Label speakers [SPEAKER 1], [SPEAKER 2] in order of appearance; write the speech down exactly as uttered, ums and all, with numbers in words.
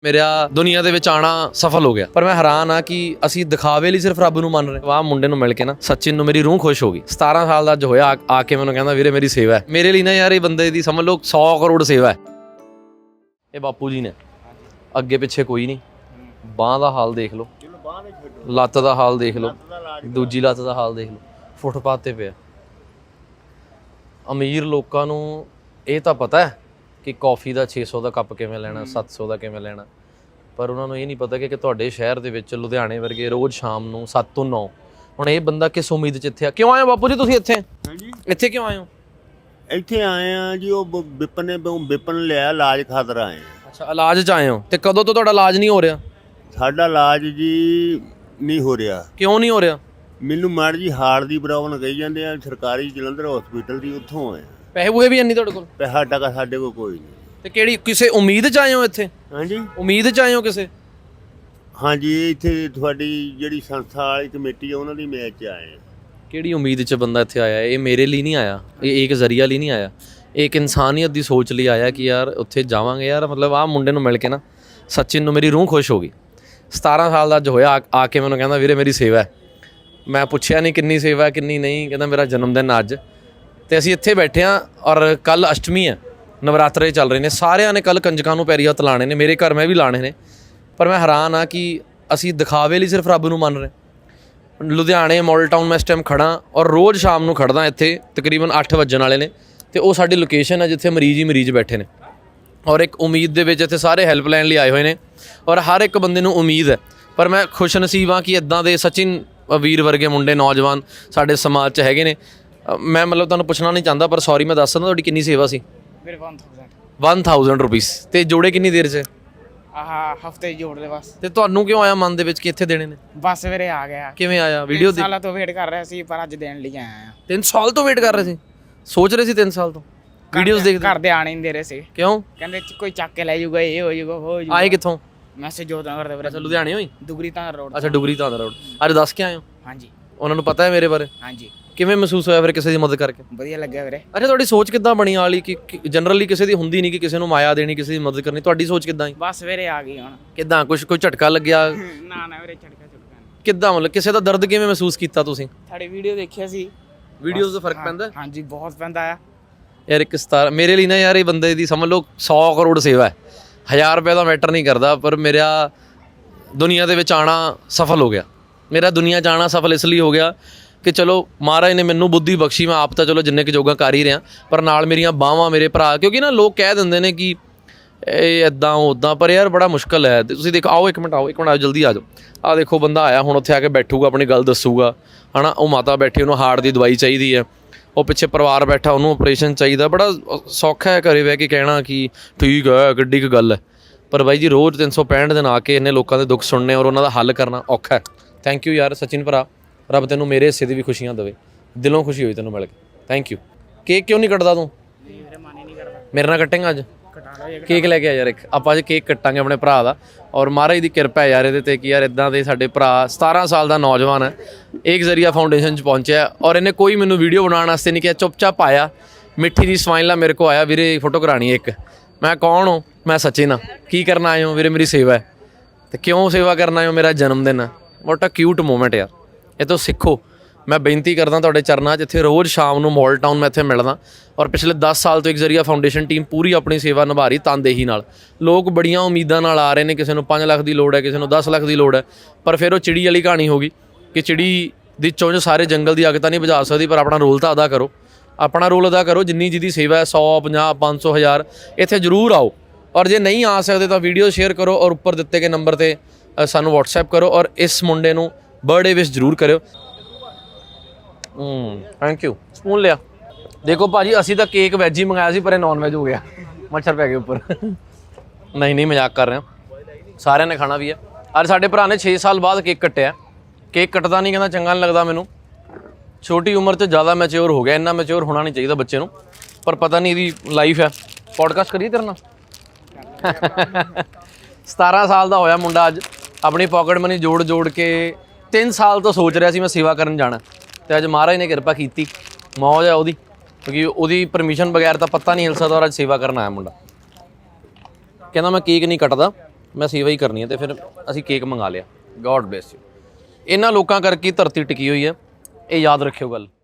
[SPEAKER 1] ਮੇਰਾ ਦੁਨੀਆ ਦੇ ਵਿੱਚ ਆਣਾ ਸਫਲ ਹੋ ਗਿਆ। ਪਰ ਮੈਂ ਹੈਰਾਨ ਆ ਕਿ ਅਸੀਂ ਦਿਖਾਵੇ ਲਈ ਸਿਰਫ ਰੱਬ ਨੂੰ ਮੰਨ ਰਹੇ। ਵਾਹ ਮੁੰਡੇ ਨੂੰ ਮਿਲ ਕੇ ਨਾ ਸਚਿਨ ਨੂੰ ਮੇਰੀ ਰੂਹ ਖੁਸ਼ ਹੋ ਗਈ। ਸਤਾਰਾਂ ਸਾਲ ਦਾ ਅੱਜ ਹੋਇਆ, ਆ ਕੇ ਮੈਨੂੰ ਕਹਿੰਦਾ ਵੀਰੇ ਮੇਰੀ ਸੇਵਾ ਹੈ। ਮੇਰੇ ਲਈ ਨਾ ਯਾਰ ਇਹ ਬੰਦੇ ਦੀ ਸਮਝ ਲਓ ਸੌ ਕਰੋੜ ਸੇਵਾ ਹੈ। ਇਹ ਬਾਪੂ ਜੀ ਨੇ, ਅੱਗੇ ਪਿੱਛੇ ਕੋਈ ਨਹੀਂ। ਬਾਂਹ ਦਾ ਹਾਲ ਦੇਖ ਲਓ, ਲੱਤ ਦਾ ਹਾਲ ਦੇਖ ਲਓ, ਦੂਜੀ ਲੱਤ ਦਾ ਹਾਲ ਦੇਖ ਲਓ, ਫੁੱਟਪਾਥ ਤੇ ਪਿਆ। ਅਮੀਰ ਲੋਕਾਂ ਨੂੰ ਇਹ ਤਾਂ ਪਤਾ ਹੈ ਕਿ ਕੌਫੀ ਦਾ ਛੇ ਸੌ ਦਾ ਕੱਪ ਕਿਵੇਂ ਲੈਣਾ, ਸੱਤ ਸੌ ਦਾ ਕਿਵੇਂ ਲੈਣਾ, ਪਰ ਉਹਨਾਂ ਨੂੰ ਇਹ ਨਹੀਂ ਪਤਾ ਕਿ ਤੁਹਾਡੇ ਸ਼ਹਿਰ ਦੇ ਵਿੱਚ ਲੁਧਿਆਣੇ ਵਰਗੇ ਰੋਜ਼ ਸ਼ਾਮ ਨੂੰ ਸੱਤ ਤੋਂ ਨੌ, ਹੁਣ ਇਹ ਬੰਦਾ ਕਿਸ ਉਮੀਦ 'ਚ ਇੱਥੇ ਆ। ਕਿਉਂ ਆਏ ਹੋ ਬਾਪੂ ਜੀ ਤੁਸੀਂ ਇੱਥੇ?
[SPEAKER 2] ਹਾਂਜੀ,
[SPEAKER 1] ਇੱਥੇ ਕਿਉਂ ਆਏ ਹੋ?
[SPEAKER 2] ਇੱਥੇ ਆਏ ਆ ਜੀ, ਉਹ ਬ- ਵਿਪਨ ਨੇ ਬ- ਵਿਪਨ ਲਿਆ ਇਲਾਜ ਖਾਤਰ ਆਏ ਆ।
[SPEAKER 1] ਅੱਛਾ, ਇਲਾਜ 'ਚ ਆਏ ਹੋ ਤੇ ਕਦੋਂ ਤੋਂ ਤੁਹਾਡਾ ਇਲਾਜ ਨਹੀਂ ਹੋ ਰਿਹਾ?
[SPEAKER 2] ਸਾਡਾ ਇਲਾਜ ਜੀ ਨਹੀਂ ਹੋ ਰਿਹਾ।
[SPEAKER 1] ਕਿਉਂ ਨਹੀਂ ਹੋ ਰਿਹਾ?
[SPEAKER 2] ਮੈਨੂੰ ਮਾੜੀ ਜੀ ਹਾਰਟ ਦੀ ਪ੍ਰੋਬਲਮ ਕਹੀ ਜਾਂਦੇ ਆ, ਸਰਕਾਰੀ ਜਲੰਧਰ ਹਸਪੀਟਲ ਦੀ, ਉੱਥੋਂ ਆਏ ਆ।
[SPEAKER 1] ਪੈਸੇ ਪੂਏ ਵੀ ਨਹੀਂ ਤੁਹਾਡੇ ਕੋਲ?
[SPEAKER 2] ਪੈਸਾ ਟਕਾ ਸਾਡੇ ਕੋਲ ਕੋਈ ਨਹੀਂ।
[SPEAKER 1] ਤੇ ਕਿਹੜੀ ਕਿਸੇ ਉਮੀਦ 'ਚ ਆਏ ਹੋ ਇੱਥੇ?
[SPEAKER 2] ਹਾਂਜੀ
[SPEAKER 1] ਉਮੀਦ 'ਚ ਆਏ ਹੋ ਕਿਸੇ?
[SPEAKER 2] ਹਾਂਜੀ, ਇੱਥੇ ਤੁਹਾਡੀ ਜਿਹੜੀ ਸੰਸਥਾ ਵਾਲੀ ਕਮੇਟੀ ਆ ਉਹਨਾਂ ਦੀ ਮੈਚ 'ਚ ਆਏ ਆ।
[SPEAKER 1] ਕਿਹੜੀ ਉਮੀਦ 'ਚ ਬੰਦਾ ਇੱਥੇ ਆਇਆ? ਇਹ ਮੇਰੇ ਲਈ ਨਹੀਂ ਆਇਆ, ਇਹ ਇੱਕ ਜ਼ਰੀਆ ਲਈ ਨਹੀਂ ਆਇਆ, ਇਹ ਇੱਕ ਇਨਸਾਨੀਅਤ ਦੀ ਸੋਚ ਲਈ ਆਇਆ ਕਿ ਯਾਰ ਉੱਥੇ ਜਾਵਾਂਗੇ। ਯਾਰ ਮਤਲਬ ਆਹ ਮੁੰਡੇ ਨੂੰ ਮਿਲ ਕੇ ਨਾ ਸਚਿਨ ਨੂੰ ਮੇਰੀ ਰੂਹ ਖੁਸ਼ ਹੋ ਗਈ। ਸਤਾਰਾਂ ਸਾਲ ਦਾ ਅੱਜ ਹੋਇਆ, ਆ ਕੇ ਮੈਨੂੰ ਕਹਿੰਦਾ ਵੀਰੇ ਮੇਰੀ ਸੇਵਾ ਹੈ। ਮੈਂ ਪੁੱਛਿਆ ਨਹੀਂ ਕਿੰਨੀ ਸੇਵਾ ਕਿੰਨੀ ਨਹੀਂ, ਕਹਿੰਦਾ ਮੇਰਾ ਜਨਮ ਦਿਨ ਅੱਜ। ਤੇ ਅਸੀਂ ਇੱਥੇ ਬੈਠੇ ਹਾਂ ਔਰ ਕੱਲ ਅਸ਼ਟਮੀ ਹੈ, ਨਵਰਾਤਰੇ ਚੱਲ ਰਹੇ ਨੇ। ਸਾਰਿਆਂ ਨੇ ਕੱਲ ਕੰਜਕਾਂ ਨੂੰ ਪੈਰੀ ਹੱਥ ਲਾਣੇ ਨੇ, ਮੇਰੇ ਘਰ ਮੈਂ ਵੀ ਲਾਣੇ ਨੇ। ਪਰ ਮੈਂ ਹੈਰਾਨ ਆ ਕਿ ਅਸੀਂ ਦਿਖਾਵੇ ਲਈ ਸਿਰਫ ਰੱਬ ਨੂੰ ਮੰਨ ਰਹੇ। ਲੁਧਿਆਣੇ ਮਾਡਲ ਟਾਊਨ ਮੈਂ ਇਸ ਟਾਈਮ ਖੜਾ ਔਰ ਰੋਜ਼ ਸ਼ਾਮ ਨੂੰ ਖੜਦਾ ਇੱਥੇ, ਤਕਰੀਬਨ ਅੱਠ ਵੱਜਣ ਵਾਲੇ ਨੇ ਤੇ ਉਹ ਸਾਡੀ ਲੋਕੇਸ਼ਨ ਹੈ ਜਿੱਥੇ ਮਰੀਜ਼ ਹੀ ਮਰੀਜ਼ ਬੈਠੇ ਨੇ ਔਰ ਇੱਕ ਉਮੀਦ ਦੇ ਵਿੱਚ ਇੱਥੇ ਸਾਰੇ ਹੈਲਪ ਲੈਣ ਲਈ ਆਏ ਹੋਏ ਨੇ ਔਰ ਹਰ ਇੱਕ ਬੰਦੇ ਨੂੰ ਉਮੀਦ ਹੈ। ਪਰ ਮੈਂ ਖੁਸ਼ ਨਸੀਬ ਹਾਂ ਕਿ ਇੱਦਾਂ ਦੇ ਸਚਿਨ ਵੀਰ ਵਰਗੇ ਮੁੰਡੇ ਨੌਜਵਾਨ ਸਾਡੇ ਸਮਾਜ 'ਚ ਹੈਗੇ ਨੇ। ਮੈਂ ਮਤਲਬ ਤੁਹਾਨੂੰ ਪੁੱਛਣਾ ਨਹੀਂ ਚਾਹੁੰਦਾ, ਪਰ ਸੌਰੀ ਮੈਂ ਦੱਸ ਦਿੰਦਾ ਤੁਹਾਡੀ ਕਿੰਨੀ ਸੇਵਾ ਸੀ?
[SPEAKER 3] ਮੇਰੇ ਇੱਕ
[SPEAKER 1] ਹਜ਼ਾਰ ਰੁਪਏ। ਤੇ ਜੋੜੇ ਕਿੰਨੀ ਦੇਰ 'ਚ?
[SPEAKER 3] ਆਹ ਹਫਤੇ ਜੋੜ ਦੇ ਬਸ।
[SPEAKER 1] ਤੇ ਤੁਹਾਨੂੰ ਕਿਉਂ ਆਇਆ ਮਨ ਦੇ ਵਿੱਚ ਕਿ ਇੱਥੇ ਦੇਣੇ ਨੇ?
[SPEAKER 3] ਬਸ ਵੀਰੇ ਆ ਗਿਆ।
[SPEAKER 1] ਕਿਵੇਂ ਆਇਆ? ਵੀਡੀਓ
[SPEAKER 3] ਤਿੰਨ ਸਾਲਾਂ ਤੋਂ ਵੇਟ ਕਰ ਰਿਹਾ ਸੀ ਪਰ ਅੱਜ ਦੇਣ ਲਈ ਆਇਆ ਆ।
[SPEAKER 1] ਤਿੰਨ ਸਾਲ ਤੋਂ ਵੇਟ ਕਰ ਰਹੇ ਸੀ? ਸੋਚ ਰਹੇ ਸੀ ਤਿੰਨ ਸਾਲ ਤੋਂ? ਵੀਡੀਓਜ਼ ਦੇਖਦੇ?
[SPEAKER 3] ਘਰ ਦੇ ਆਣ ਹੀ ਨਹੀਂ ਦੇ ਰਹੇ ਸੀ।
[SPEAKER 1] ਕਿਉਂ?
[SPEAKER 3] ਕਹਿੰਦੇ ਕੋਈ ਚੱਕ ਕੇ ਲੈ ਜਾਊਗਾ, ਇਹ ਹੋ ਜਾਊਗਾ, ਉਹ ਹੋ ਜਾਊਗਾ।
[SPEAKER 1] ਆਏ ਕਿੱਥੋਂ?
[SPEAKER 3] ਮੈਸੇਜ ਜੋਦਾਂ ਕਰਦੇ ਵੀਰੇ।
[SPEAKER 1] ਅੱਛਾ, ਲੁਧਿਆਣੇ ਹੋਈ?
[SPEAKER 3] ਦੁਗਰੀ ਤਾਂ ਰੋਡ।
[SPEAKER 1] ਅੱਛਾ, ਡੁਗਰੀ ਤਾਂ ਰੋਡ। ਅੱਜ ਦੱਸ ਕੇ ਆਏ ਹੋ?
[SPEAKER 3] ਹਾਂਜੀ
[SPEAKER 1] ਉਹਨਾਂ ਨੂੰ ਪਤਾ ਹੈ ਮੇਰੇ ਬਾਰੇ?
[SPEAKER 3] ਹਾਂਜੀ।
[SPEAKER 1] ਕਿਵੇਂ ਮਹਿਸੂਸ ਹੋਇਆ ਫਿਰ ਕਿਸੇ ਦੀ ਮਦਦ ਕਰਕੇ?
[SPEAKER 3] ਵਧੀਆ ਲੱਗਿਆ ਵੀਰੇ।
[SPEAKER 1] ਅੱਛਾ, ਤੁਹਾਡੀ ਸੋਚ ਕਿੱਦਾਂ ਬਣੀ ਵਾਲੀ ਕਿ ਜਨਰਲੀ ਕਿਸੇ ਦੀ ਹੁੰਦੀ ਨਹੀਂ ਕਿ ਕਿਸੇ ਨੂੰ ਮਾਇਆ ਦੇਣੀ, ਕਿਸੇ ਦੀ ਮਦਦ ਕਰਨੀ, ਤੁਹਾਡੀ ਸੋਚ ਕਿੱਦਾਂ ਹੈ?
[SPEAKER 3] ਬਸ ਵੀਰੇ ਆ ਗਈ ਹੁਣ।
[SPEAKER 1] ਕਿੱਦਾਂ ਕੁਝ ਕੋਈ ਝਟਕਾ ਲੱਗਿਆ?
[SPEAKER 3] ਨਾ ਨਾ ਵੀਰੇ, ਝਟਕਾ ਝਟਕਾ ਨਹੀਂ।
[SPEAKER 1] ਕਿੱਦਾਂ ਮਤਲਬ ਕਿਸੇ ਦਾ ਦਰਦ ਕਿਵੇਂ ਮਹਿਸੂਸ ਕੀਤਾ ਤੁਸੀਂ?
[SPEAKER 3] ਤੁਹਾਡੀ ਵੀਡੀਓ ਦੇਖਿਆ ਸੀ।
[SPEAKER 1] ਵੀਡੀਓਜ਼ ਦਾ ਫਰਕ ਪੈਂਦਾ?
[SPEAKER 3] ਹਾਂਜੀ ਬਹੁਤ ਪੈਂਦਾ ਆ
[SPEAKER 1] ਯਾਰ ਇੱਕ ਸਤਾਰ ਮੇਰੇ ਲਈ ਨਾ ਯਾਰ ਇਹ ਬੰਦੇ ਦੀ ਸਮਝ ਲਓ ਸੌ ਕਰੋੜ ਸੇਵਾ ਹੈ। ਹਜ਼ਾਰ ਰੁਪਏ ਦਾ ਮੈਟਰ ਨਹੀਂ ਕਰਦਾ, ਪਰ ਮੇਰਾ ਦੁਨੀਆ ਦੇ ਵਿੱਚ ਆਣਾ ਸਫਲ ਹੋ ਗਿਆ। ਮੇਰਾ ਦੁਨੀਆ 'ਚ ਆਣਾ ਸਫਲ ਇਸ ਲਈ ਹੋ ਗਿਆ ਕਿ ਚਲੋ ਮਹਾਰਾਜ ਨੇ ਮੈਨੂੰ ਬੁੱਧੀ ਬਖਸ਼ੀ। ਮੈਂ ਆਪ ਤਾਂ ਚਲੋ ਜਿੰਨੇ ਕੁ ਜੋਗਾ ਕਰ ਹੀ ਰਿਹਾ, ਪਰ ਨਾਲ ਮੇਰੀਆਂ ਬਾਹਾਂ, ਮੇਰੇ ਭਰਾ, ਕਿਉਂਕਿ ਨਾ ਲੋਕ ਕਹਿ ਦਿੰਦੇ ਨੇ ਕਿ ਇਹ ਇੱਦਾਂ ਉੱਦਾਂ, ਪਰ ਯਾਰ ਬੜਾ ਮੁਸ਼ਕਲ ਹੈ। ਤੇ ਤੁਸੀਂ ਦੇਖੋ, ਆਓ ਇੱਕ ਮਿੰਟ, ਆਓ ਇੱਕ ਮਿੰਟ, ਆਓ ਜਲਦੀ ਆ ਜਾਓ। ਆਹ ਦੇਖੋ ਬੰਦਾ ਆਇਆ, ਹੁਣ ਉੱਥੇ ਆ ਕੇ ਬੈਠੂਗਾ, ਆਪਣੀ ਗੱਲ ਦੱਸੂਗਾ, ਹੈ ਨਾ। ਉਹ ਮਾਤਾ ਬੈਠੀ, ਉਹਨੂੰ ਹਾਰਟ ਦੀ ਦਵਾਈ ਚਾਹੀਦੀ ਹੈ। ਉਹ ਪਿੱਛੇ ਪਰਿਵਾਰ ਬੈਠਾ, ਉਹਨੂੰ ਆਪਰੇਸ਼ਨ ਚਾਹੀਦਾ। ਬੜਾ ਸੌਖਾ ਹੈ ਘਰੇ ਬਹਿ ਕੇ ਕਹਿਣਾ ਕਿ ਠੀਕ ਹੈ, ਕਿੱਡੀ ਕੁ ਗੱਲ ਹੈ। ਪਰ ਬਾਈ ਜੀ ਰੋਜ਼ ਤਿੰਨ ਸੌ ਪੈਂਹਠ ਦਿਨ ਆ ਕੇ ਇੰਨੇ ਲੋਕਾਂ ਦੇ ਦੁੱਖ ਸੁਣਨੇ ਔਰ ਉਹਨਾਂ ਦਾ ਹੱਲ ਕਰਨਾ ਔਖਾ ਹੈ। ਥੈਂਕ ਯੂ ਯਾਰ ਸਚਿਨ ਭਰਾ, ਰੱਬ ਤੈਨੂੰ ਮੇਰੇ ਹਿੱਸੇ ਦੀ ਵੀ ਖੁਸ਼ੀਆਂ ਦੇਵੇ। ਦਿਲੋਂ ਖੁਸ਼ੀ ਹੋਈ ਤੈਨੂੰ ਮਿਲ ਕੇ, ਥੈਂਕ ਯੂ। ਕੇਕ ਕਿਉਂ ਨਹੀਂ ਕੱਟਦਾ ਤੂੰ?
[SPEAKER 3] ਵੀਰੇ ਮਨ ਹੀ ਨਹੀਂ ਕਰਦਾ।
[SPEAKER 1] ਮੇਰੇ ਨਾਲ ਕੱਟੇਂਗਾ ਅੱਜ?
[SPEAKER 3] ਕਟਾ ਲਓ ਇਹ।
[SPEAKER 1] ਕੇਕ ਲੈ ਕੇ ਆ ਯਾਰ ਇੱਕ, ਆਪਾਂ ਅੱਜ ਕੇਕ ਕੱਟਾਂਗੇ ਆਪਣੇ ਭਰਾ ਦਾ। ਔਰ ਮਹਾਰਾਜ ਦੀ ਕਿਰਪਾ ਹੈ ਯਾਰ ਇਹਦੇ ਤੇ ਕਿ ਯਾਰ ਇੱਦਾਂ ਦੇ ਸਾਡੇ ਭਰਾ, ਸਤਾਰਾਂ ਸਾਲ ਦਾ ਨੌਜਵਾਨ ਹੈ, ਇੱਕ ਜ਼ਰੀਆ ਫਾਊਂਡੇਸ਼ਨ 'ਚ ਪਹੁੰਚਿਆ ਔਰ ਇਹਨੇ ਕੋਈ ਮੈਨੂੰ ਵੀਡੀਓ ਬਣਾਉਣ ਵਾਸਤੇ ਨਹੀਂ ਕਿਹਾ, ਚੁੱਪਚਾਪ ਆਇਆ, ਮਿੱਠੀ ਜੀ ਸਮਾਈਲ ਨਾਲ ਮੇਰੇ ਕੋਲ ਆਇਆ, ਵੀਰੇ ਫੋਟੋ ਕਰਾਉਣੀ ਇੱਕ। ਮੈਂ ਕੌਣ ਹੋ? ਮੈਂ ਸਚਿਨ ਹਾਂ। ਕੀ ਕਰਨ ਆਏ ਹੋ? ਵੀਰੇ ਮੇਰੀ ਸੇਵਾ ਹੈ। ਤੇ ਕਿਉਂ ਸੇਵਾ ਕਰਨ ਆਏ ਹੋ? ਮੇਰਾ ਜਨਮ ਦਿਨ ਹੈ। ਵਾਟ ਅ ਕਿਊਟ ਮੂਮੈਂਟ ਯਾਰ, ਇਹ ਤੋਂ ਸਿੱਖੋ। ਮੈਂ ਬੇਨਤੀ ਕਰਦਾ ਤੁਹਾਡੇ ਚਰਨਾਂ 'ਚ, ਇੱਥੇ ਰੋਜ਼ ਸ਼ਾਮ ਨੂੰ ਮਾਡਲ ਟਾਊਨ ਮੈਂ ਇੱਥੇ ਮਿਲਦਾ ਔਰ ਪਿਛਲੇ ਦਸ ਸਾਲ ਤੋਂ ਇੱਕ ਜ਼ਰੀਆ ਫਾਊਂਡੇਸ਼ਨ ਟੀਮ ਪੂਰੀ ਆਪਣੀ ਸੇਵਾ ਨਿਭਾ ਰਹੀ ਤਨਦੇਹੀ ਨਾਲ। ਲੋਕ ਬੜੀਆਂ ਉਮੀਦਾਂ ਨਾਲ ਆ ਰਹੇ ਨੇ, ਕਿਸੇ ਨੂੰ ਪੰਜ ਲੱਖ ਦੀ ਲੋੜ ਹੈ, ਕਿਸੇ ਨੂੰ ਦਸ ਲੱਖ ਦੀ ਲੋੜ ਹੈ, ਪਰ ਫਿਰ ਉਹ ਚਿੜੀ ਵਾਲੀ ਕਹਾਣੀ ਹੋ ਗਈ ਕਿ ਚਿੜੀ ਦੀ ਚੁੰਝ ਸਾਰੇ ਜੰਗਲ ਦੀ ਅੱਗ ਤਾਂ ਨਹੀਂ ਬੁਝਾ ਸਕਦੀ, ਪਰ ਆਪਣਾ ਰੋਲ ਤਾਂ ਅਦਾ ਕਰੋ। ਆਪਣਾ ਰੋਲ ਅਦਾ ਕਰੋ। ਜਿੰਨੀ ਜਿਹਦੀ ਸੇਵਾ ਹੈ, ਸੌ, ਪੰਜਾਹ, ਪੰਜ ਸੌ, ਹਜ਼ਾਰ, ਇੱਥੇ ਜ਼ਰੂਰ ਆਓ। ਔਰ ਜੇ ਨਹੀਂ ਆ ਸਕਦੇ ਤਾਂ ਵੀਡੀਓ ਸ਼ੇਅਰ ਕਰੋ ਔਰ ਉੱਪਰ ਦਿੱਤੇ ਗਏ ਨੰਬਰ 'ਤੇ ਸਾਨੂੰ ਵਟਸਐਪ ਕਰੋ ਔਰ ਇਸ ਮੁੰਡੇ ਨੂੰ ਬਰਥਡੇ ਵਿਸ਼ ਜ਼ਰੂਰ ਕਰਿਓ। ਹੂੰ ਥੈਂਕ ਯੂ। ਸਪੂਨ ਲਿਆ। ਦੇਖੋ ਭਾਜੀ, ਅਸੀਂ ਤਾਂ ਕੇਕ ਵੈਜ ਹੀ ਮੰਗਾਇਆ ਸੀ, ਪਰ ਇਹ ਨੌਨ ਵੈਜ ਹੋ ਗਿਆ, ਮੱਛਰ ਪੈ ਗਏ ਉੱਪਰ। ਨਹੀਂ ਨਹੀਂ ਮਜ਼ਾਕ ਕਰ ਰਿਹਾ, ਸਾਰਿਆਂ ਨੇ ਖਾਣਾ ਵੀ ਹੈ। ਅੱਜ ਸਾਡੇ ਭਰਾ ਨੇ ਛੇ ਸਾਲ ਬਾਅਦ ਕੇਕ ਕੱਟਿਆ। ਕੇਕ ਕੱਟਦਾ ਨਹੀਂ, ਕਹਿੰਦਾ ਚੰਗਾ ਨਹੀਂ ਲੱਗਦਾ ਮੈਨੂੰ। ਛੋਟੀ ਉਮਰ 'ਚ ਜ਼ਿਆਦਾ ਮੈਚਿਓਰ ਹੋ ਗਿਆ। ਇੰਨਾ ਮੈਚਿਓਰ ਹੋਣਾ ਨਹੀਂ ਚਾਹੀਦਾ ਬੱਚੇ ਨੂੰ, ਪਰ ਪਤਾ ਨਹੀਂ ਇਹਦੀ ਲਾਈਫ ਹੈ। ਪੋਡਕਾਸਟ ਕਰੀਏ ਤੇਰੇ ਨਾਲ? ਸਤਾਰਾਂ ਸਾਲ ਦਾ ਹੋਇਆ ਮੁੰਡਾ ਅੱਜ, ਆਪਣੀ ਪਾਕਟ ਮਨੀ ਜੋੜ ਜੋੜ ਕੇ ਤਿੰਨ ਸਾਲ ਤੋਂ ਸੋਚ ਰਿਹਾ ਸੀ ਮੈਂ ਸੇਵਾ ਕਰਨ ਜਾਣਾ, ਤੇ ਅੱਜ ਮਹਾਰਾਜ ਨੇ ਕਿਰਪਾ ਕੀਤੀ। ਮੌਜ ਹੈ ਉਹਦੀ, ਕਿਉਂਕਿ ਉਹਦੀ ਪਰਮਿਸ਼ਨ ਬਗੈਰ ਤਾਂ ਪੱਤਾ ਨਹੀਂ ਹਿਲ ਸਕਦਾ ਔਰ ਅੱਜ ਸੇਵਾ ਕਰਨ ਆਇਆ ਮੁੰਡਾ। ਕਹਿੰਦਾ ਮੈਂ ਕੇਕ ਨਹੀਂ ਕੱਟਦਾ, ਮੈਂ ਸੇਵਾ ਹੀ ਕਰਨੀ ਹੈ ਤੇ ਫਿਰ ਅਸੀਂ ਕੇਕ ਮੰਗਾ ਲਿਆ। God bless you. ਇਹਨਾਂ ਲੋਕਾਂ ਕਰਕੇ ਹੀ ਧਰਤੀ ਟਿਕੀ ਹੋਈ ਹੈ, ਇਹ ਯਾਦ ਰੱਖਿਓ ਗੱਲ।